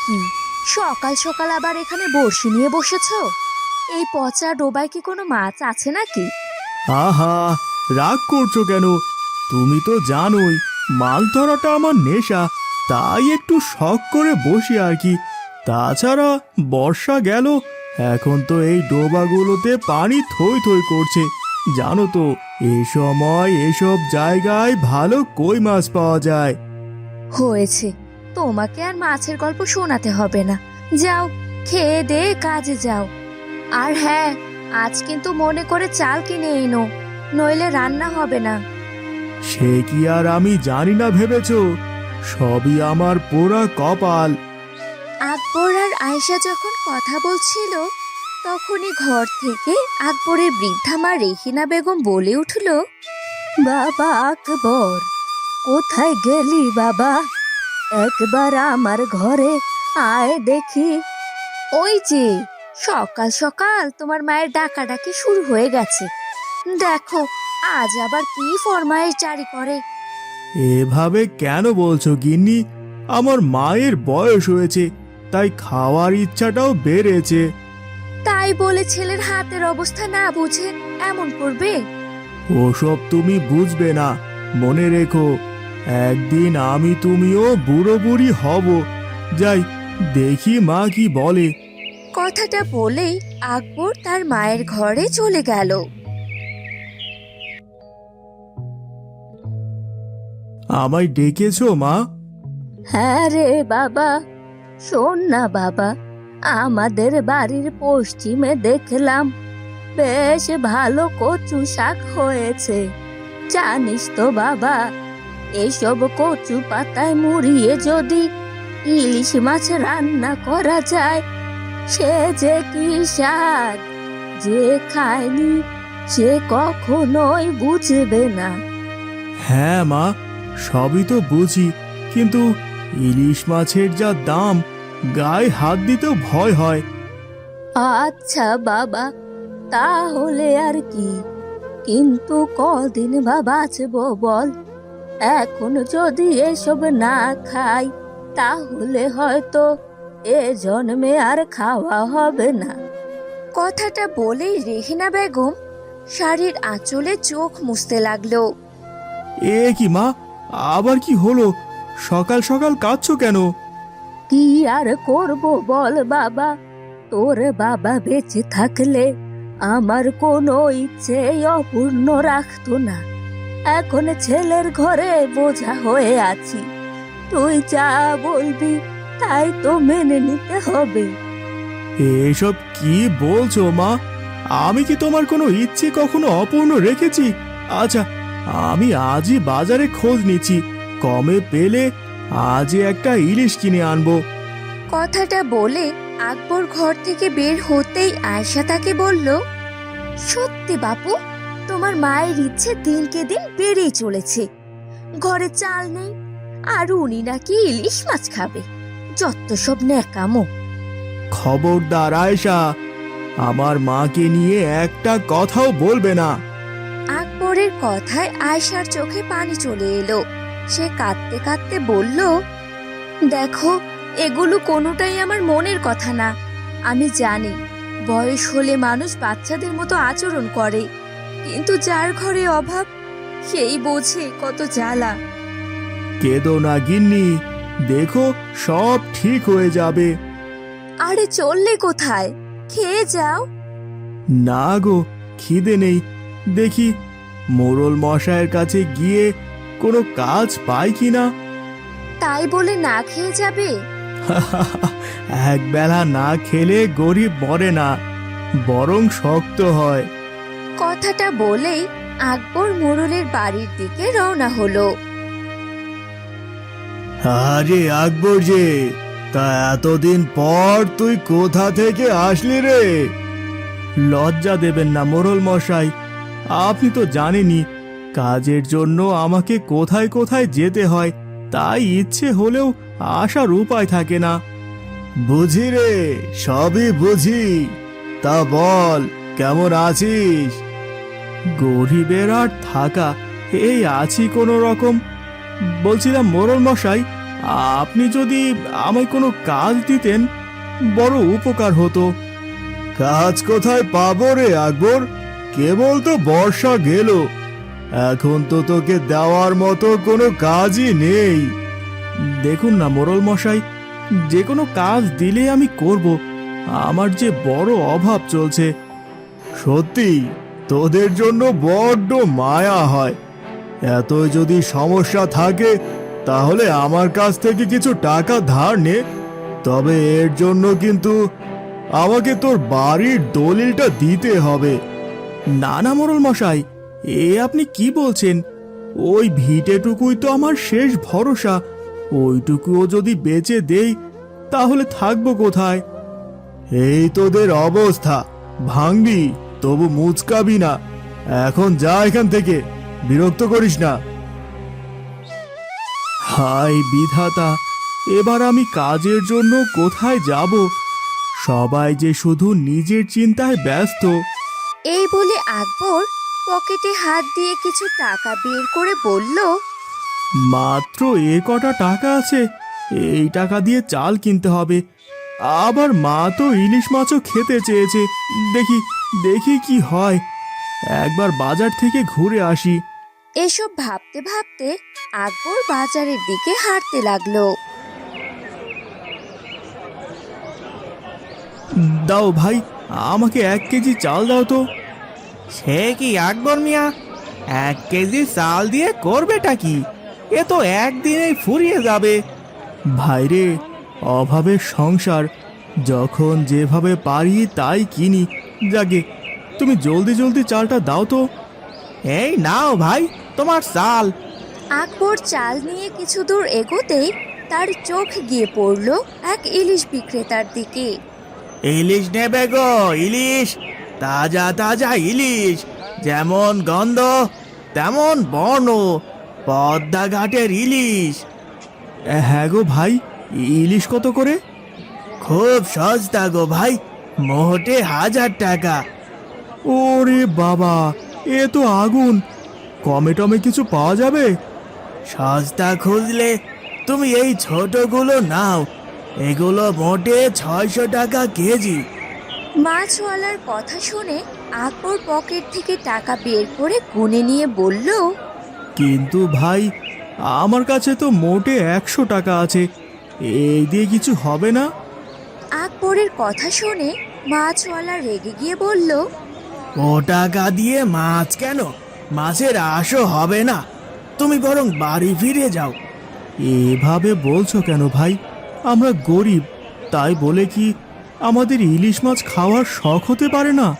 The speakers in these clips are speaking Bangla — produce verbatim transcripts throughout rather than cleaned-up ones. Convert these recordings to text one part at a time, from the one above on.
কি সকাল সকাল আবার এখানে বড়শি নিয়ে বসেছো? এই পচা ডোবায় কি কোনো মাছ আছে নাকি? আহা, রাগ করছো কেন? তুমি তো জানোই মাছ ধরাটা আমার নেশা, তাই একটু শখ করে বসি আর কি। তাছাড়া বর্ষা গেল, এখন তো এই ডোবাগুলোতে পানি থই থই করছে। জানো তো এই সময় এসব জায়গায় ভালো কই মাছ পাওয়া যায়। হয়েছে, তোমাকে আর মাছের গল্প শোনাতে হবে না। যাও, খেয়ে দে কাজে যাও। আর হ্যাঁ, আজ কিন্তু মনে করে চাল কিনে এনো, নইলে রান্না হবে না। সে কি আর আমি জানি না ভেবেছো? সবই আমার পোড়া কপাল। আকবর আর আয়েশা যখন কথা বলছিল, তখনই ঘর থেকে আকবরের বৃদ্ধা মা রেহিনা বেগম বলে উঠল, বাবা আকবর, কোথায় গেলি বাবা? একবার আমার ঘরে আয় দেখি। ওই যে সকাল সকাল তোমার মায়ের ডাকাডাকি শুরু হয়ে গেছে। দেখো আজ আবার কি ফরমায়েশ জারি করে। এভাবে কেন বলছো গিন্নি? আমার মায়ের বয়স হয়েছে, তাই খাওয়ার ইচ্ছাটাও বেড়েছে। তাই বলে ছেলের হাতের অবস্থা না বুঝে এমন করবে? ওসব তুমি বুঝবে না। মনে রেখো, একদিন আমি তুমিও বুড়ো বুড়ি হব। যাই দেখি মা কি বলে। কথাটা বলেই আকবর তার মায়ের ঘরে চলে গেল। আমায় ডেকেছো মা? হ্যাঁ রে বাবা, শোন না বাবা, আমাদের বাড়ির পশ্চিমে দেখলাম বেশ ভালো কচু শাক হয়েছে। জানিস তো বাবা, এসব কচু পাতায় মুড়িয়ে যদি ইলিশ মাছ রান্না করা যায়, সে যে কি স্বাদ! যে খায়নি সে কখনোই বুঝবে না। হ্যাঁ মা, সবই তো বুঝি, কিন্তু ইলিশ মাছের যা দাম, গায়ে হাত দিতেও ভয় হয়। আচ্ছা বাবা, তাহলে আর কি, কিন্তু কদিন বা বাঁচবো বল? এখন যদি এসব না খাই, তাহলে হয়তো এ জন্মে আর খাওয়া হবে না। কথাটা বলেই রেহিনা বেগম শাড়ির আঁচলে চোখ মুছতে লাগলো। এ কি মা, আবার কি হলো? সকাল সকাল কাঁদছো কেন? কি আর করব বল বাবা, তোর বাবা বেঁচে থাকলে আমার কোনো ইচ্ছে অপূর্ণ রাখতো না। এখন ছেলের ঘরে বোঝা হয়ে আছি, তুই যা বলবি তাই তো মেনে নিতে হবে। এসব কি বলছো মা? আমি কি তোমার কোনো ইচ্ছে কখনো অপূর্ণ রেখেছি? আচ্ছা, আমি আজই বাজারে খোঁজ নিচ্ছি, কমে পেলে আজই একটা ইলিশ কিনে আনবো। কথাটা বলে আকবর ঘর থেকে বের হতেই আয়েশা তাকে বলল, সত্যি বাপু, তোমার মায়ের ইচ্ছে দিনকে দিন বেড়েই চলেছে। ঘরে চাল নেই, আর উনি নাকি ইলিশ মাছ খাবে। যত সব ন্যাকামো। খবরদার আয়েশা, আমার মাকে নিয়ে একটা কথাও বলবে না। আকবরের কথায় আয়েশার চোখে পানি চলে এলো। সে কাঁদতে কাঁদতে বলল, দেখো, এগুলো কোনোটাই আমার মনের কথা না। আমি জানি বয়স হলে মানুষ বাচ্চাদের মতো আচরণ করে, কিন্তু যার ঘরে অভাব সেই বোঝে কত জ্বালা। কেঁদো না গিন্নি, দেখো সব ঠিক হয়ে যাবে। আরে চললে কোথায়? খেয়ে যাও। না গো, খিদে নেই। দেখি মোড়ল মশাইয়ের কাছে গিয়ে কোনো কাজ পাই কিনা। তাই বলে না খেয়ে যাবে? এক বেলা না খেলে গরিব মরে না, বরং শক্ত হয়। কথাটা বলেই আকবর মোড়লের বাড়ির দিকে রওনা হলো। আরে আকবর যে, তা এতদিন পর তুই কোথা থেকে আসলি রে? লজ্জা দেবেন না মোড়ল মশাই, আপনি তো জানেনই কাজের জন্য আমাকে কোথায় কোথায় যেতে হয়, তাই ইচ্ছে হলেও আসার উপায় থাকে না। বুঝি রে, সবই বুঝি। তা বল, কেমন আছিস? গরিবের আর থাকা, এই আছি কোনো রকম। বলছিলাম মোড়ল মশাই, আপনি যদি আমায় কোনো কাজ দিতেন বড় উপকার হতো। কাজ কোথায় পাবো রে আকবর? কেবল তো বর্ষা গেল, এখন তো তোকে দেওয়ার মতো কোনো কাজই নেই। দেখুন না মোড়ল মশাই, যে কোনো কাজ দিলে আমি করব, আমার যে বড় অভাব চলছে। সত্যি তোদের জন্য বড্ড মায়া হয়। এত যদি সমস্যা থাকে তাহলে আমার কাছ থেকে কিছু টাকা ধার নে, তবে এর জন্য কিন্তু আমাকে তোর বাড়ির দলিলটা দিতে হবে। না না মোড়ল মশাই, এ আপনি কি বলছেন? ওই ভিটেটুকুই তো আমার শেষ ভরসা, ওইটুকুও যদি বেচে দেই তাহলে থাকবো কোথায়? এই তোদের অবস্থা, ভাঙবি তবু মুচকাবি না। এখন যা এখান থেকে, বিরক্ত করিস না। হায় বিধাতা, এবার আমি কাজের জন্য কোথায় যাব? সবাই যে শুধু নিজের চিন্তায় ব্যস্ত। এই বলে আকবর পকেটে হাত দিয়ে কিছু টাকা বের করে বলল, মাত্র এ কটা টাকা আছে, এই টাকা দিয়ে চাল কিনতে হবে। আবার মা তো ইলিশ মাছও খেতে চেয়েছে। দেখি দেখি কি হয়, একবার বাজার থেকে ঘুরে আসি। এসব ভাবতে ভাবতে আকবর বাজারের দিকে হাঁটতে লাগলো। দাও ভাই, আমাকে এক কেজি চাল দাও তো। সে কি আকবর মিয়া, এক কেজি চাল দিয়ে করবেটা কি? এ তো একদিনেই ফুরিয়ে যাবে। ভাইরে, অভাবের সংসার, যখন যেভাবে পারি তাই কিনি। যাগে, তুমি জলদি জলদি চালটা দাও তো। এই নাও ভাই তোমার চাল। আকবর চাল নিয়ে কিছু দূর এগোতেই তার চোখ গিয়ে পড়ল এক ইলিশ বিক্রেতার দিকে। ইলিশ নেবে গো, ইলিশ, তাজা তাজা ইলিশ, যেমন গন্ধ তেমন বর্ণ, পদ্মা ঘাটের ইলিশ। হ্যাঁ গো ভাই, ইলিশ কত করে? খুব সস্তা গো ভাই, মোটে হাজার টাকা। ওরে বাবা, এ তো আগুন! কমে টমে কিছু পাওয়া যাবে? সস্তা খুঁজলে তুমি এই ছোটগুলো নাও, এগুলো মোটে ছয়শো টাকা কেজি। মাছওয়ালার কথা শুনে আকবর পকেট থেকে টাকা বের করে গুনে নিয়ে বলল, কিন্তু ভাই, আমার কাছে তো মোটে একশো টাকা আছে, এই দিয়ে কিছু হবে না? আকবরের কথা শুনে মাছওয়ালা রেগে গিয়ে বলল, ও টাকা দিয়ে মাছ কেন? মাছের আশও হবে না, তুমি বরং বাড়ি ফিরে যাও। এভাবে বলছো কেন ভাই? আমরা গরিব, তাই বলে কি আমাদের ইলিশ মাছ খাওয়ার শখ হতে পারে না?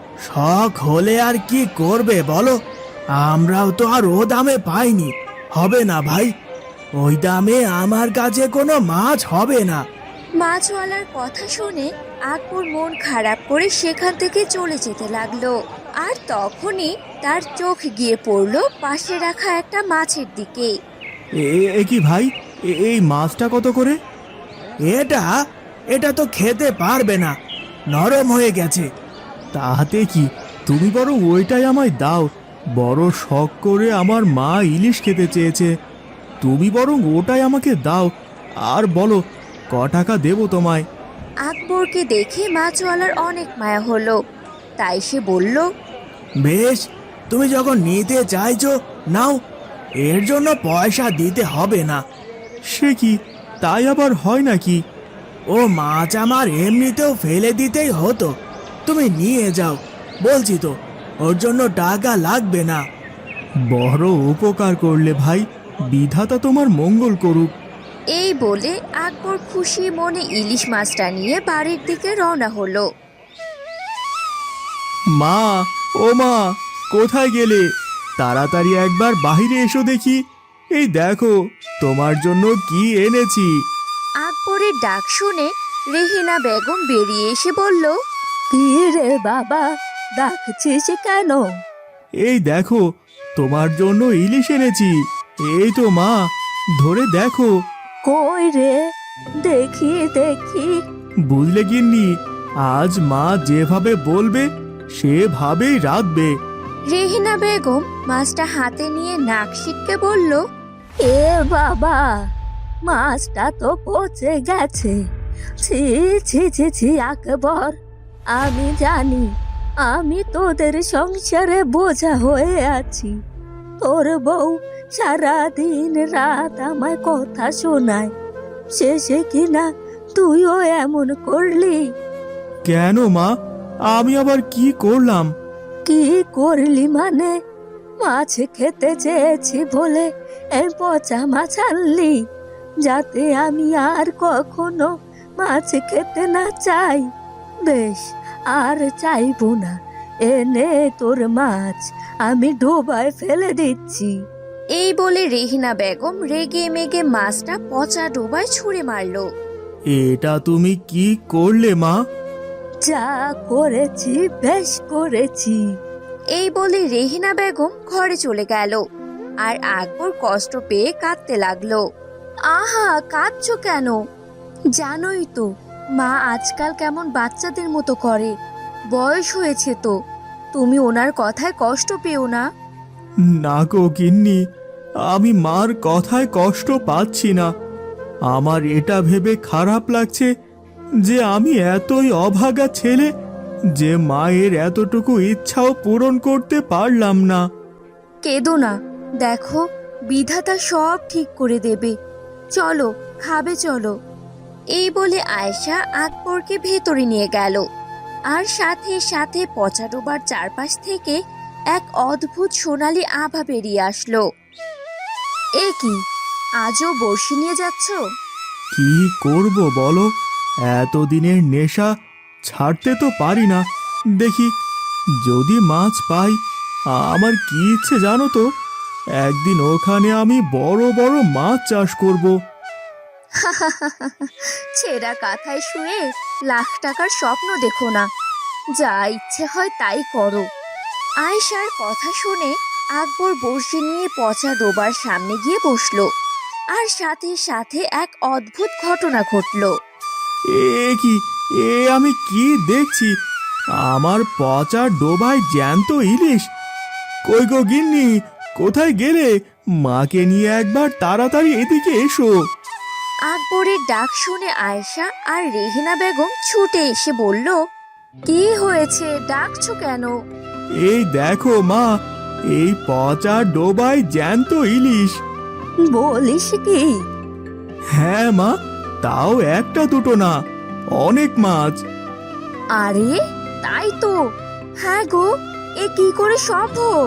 শখ হলে আর কি করবে বলো, আমরাও তো আর ও দামে পাইনি। হবে না ভাই, ওই দামে আমার কাছে কোনো মাছ হবে না। মাছওয়ালার কথা শুনে আকবর মন খারাপ করে সেখান থেকে চলে যেতে লাগলো। আর তখনই তার চোখ গিয়ে পড়লো পাশে রাখা একটা মাছের দিকে। এ- এ কি ভাই, এ- এই মাছটা কত করে? এটা এটা তো খেতে পারবে না, নরম হয়ে গেছে। তাহাতে কি, তুমি বরং ওইটাই আমায় দাও। বড় শখ করে আমার মা ইলিশ খেতে চেয়েছে, তুমি বরং ওটাই আমাকে দাও। আর বলো, ক টাকা দেবো তোমায়? আকবরকে দেখে মাছওয়ালার অনেক মায়া হলো, তাই সে বলল, বেশ, তুমি যখন নিতে চাইছো নাও, এর জন্য পয়সা দিতে হবে না। সে কি, তাই আবার হয় নাকি? ও মাছ আমার এমনিতেও ফেলে দিতেই হতো, তুমি নিয়ে যাও। বলছি তো, ওর জন্য টাকা লাগবে না। বড় উপকার করলে ভাই, বিধাতা তোমার মঙ্গল করুক। এই বলে আকবর খুশি মনে ইলিশ মাছটা নিয়ে বাড়ির দিকে রওনা হলো। মা, ও মা, কোথায় গেলে? তাড়াতাড়ি একবার বাইরে এসো দেখি। এই দেখো, তোমার জন্য কি এনেছি। আকবরের ডাক শুনে রেহিনা বেগম বেরিয়ে এসে বলল, কি রে বাবা, ডাকছিস কেন? এই দেখো, তোমার জন্য ইলিশ এনেছি। এই তো মা, ধরে দেখো। কই রে, দেখি দেখি। বুঝলে গিন্নি, আজ মা যেভাবে বলবে সেভাবেই রাঁধবে। রেহিনা বেগম মাছটা হাতে নিয়ে নাক সিটকে বলল, এ বাবা, মাছটা তো পচে গেছে। ছি ছি ছি ছি আকবর, আমি জানি আমি তোদের সংসারে বোঝা হয়ে আছি। তোর বউ সারা দিন রাত আমায় কথা শোনায়, শেষে কিনা তুইও এমন করলি। কেন মা, আমি আবার কি করলাম? কি করলি মানে? মাছ খেতে চেয়েছি বলে এই পচা মাছ আনলি, যাতে আমি আর কখনো মাছ খেতে না চাই। বেশ, আর চাইবো না। এনে তোর মাছ, আমি ডোবায় ফেলে দিচ্ছি। এই বলে রেহিনা বেগম রেগে মেগে মাছটা পচা ডোবায় ছুঁড়ে মারলো। এটা তুমি কি করলে মা? যা করেছি বেশ করেছি। এই বলে রেহিনা বেগম ঘরে চলে গেল, আর আকবর কষ্ট পেয়ে কাঁদতে লাগলো। আহা, কাঁদছো কেন? জানোই তো মা আজকাল কেমন বাচ্চাদের মতো করে। বয়স হয়েছে তো, তুমি ওনার কথায় কষ্ট পেও না। না গো গিন্নি, আমি মার কথায় কষ্ট পাচ্ছি না। আমার এটা ভেবে খারাপ লাগছে যে আমি এতই অভাগা ছেলে যে মায়ের এতটুকু ইচ্ছাও পূরণ করতে পারলাম না। কেঁদো না, দেখো বিধাতা সব ঠিক করে দেবে। চলো, খাবে চলো। এই বলে আয়েশা আকবরকে ভেতরে নিয়ে গেল, আর সাথে সাথে পচা ডোবার চারপাশ থেকে এক অদ্ভুত সোনালী আভা বেরিয়ে আসলো। এ কি, আজও বড়শি নিয়ে যাচ্ছ? কি করব বলো, এতদিনের নেশা ছাড়তে তো পারি না। দেখি যদি মাছ পাই। আমার কি ইচ্ছে জানো তো, একদিন ওখানে আমি বড় বড় মাছ চাষ করব। ছেঁড়া কাঁথায় শুয়ে লাখ টাকার স্বপ্ন দেখো না, যা ইচ্ছে হয় তাই করো। আয়েশার কথা শুনে আকবর বড়শি নিয়ে পচা ডোবার সামনে গিয়ে বসলো, আর সাথে সাথে এক অদ্ভুত ঘটনা ঘটলো। এ কি, এ আমি কি দেখছি? আমার পচা ডোবায় জ্যান্ত ইলিশ। কই গো গিন্নি, কোথায় গেলে? মাকে নিয়ে একবার তাড়াতাড়ি এদিকে এসো। আকবরের ডাক শুনে আয়েশা আর রেহিনা বেগম ছুটে এসে বলল, কি হয়েছে, ডাকছো কেন? এই দেখো মা, এই পচা ডোবায় জ্যান্ত ইলিশ। বলিস কি? হ্যাঁ মা, তাও একটা দুটো না, অনেক মাছ। আরে তাই তো, হ্যাঁ গো, এ কি করে সম্ভব?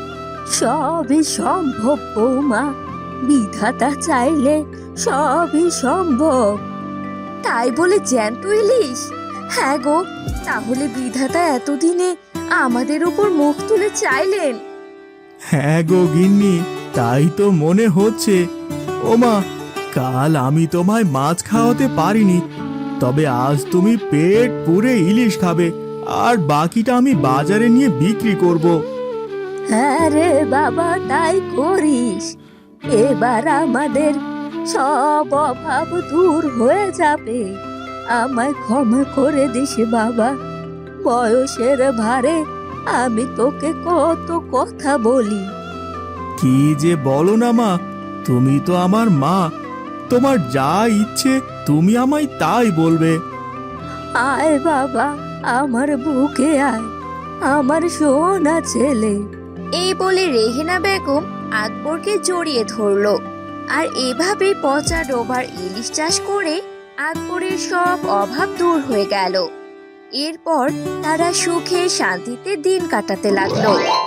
সবই সম্ভব বৌমা, বিধাতা চাইলে সবই সম্ভব। তাই বলে জ্যান্ত ইলিশ? হ্যাঁ গো, তাহলে বিধাতা এতদিনে আমাদের উপর মুখ তুলে চাইলেন। হ্যাঁ গো গিন্নি, তাই তো মনে হচ্ছে। ও মা, কাল আমি তোমায় মাছ খাওয়াতে পারিনি, তবে আজ তুমি পেট পুরে ইলিশ খাবে, আর বাকিটা আমি বাজারে নিয়ে বিক্রি করব। হ্যাঁ রে বাবা, তাই করিস। এবার আমাদের সব অভাব দূর হয়ে যাবে। আমায় ক্ষমা করে দিস বাবা, বয়সের ভারে আমি তোকে কত কথা বলি। কি যে বলো না মা, তুমি তো আমার মা, তোমার যা ইচ্ছে তুমি আমায় তাই বলবে। আয় বাবা, আমার বুকে আয়, আমার সোনা ছেলে। এই বলে রেহিনা বেগম আকবরকে জড়িয়ে ধরলো, আর এভাবে পচা ডোবার ইলিশ চাষ করে আকবরের সব অভাব দূর হয়ে গেল। এরপর তারা সুখে শান্তিতে দিন কাটাতে লাগলো।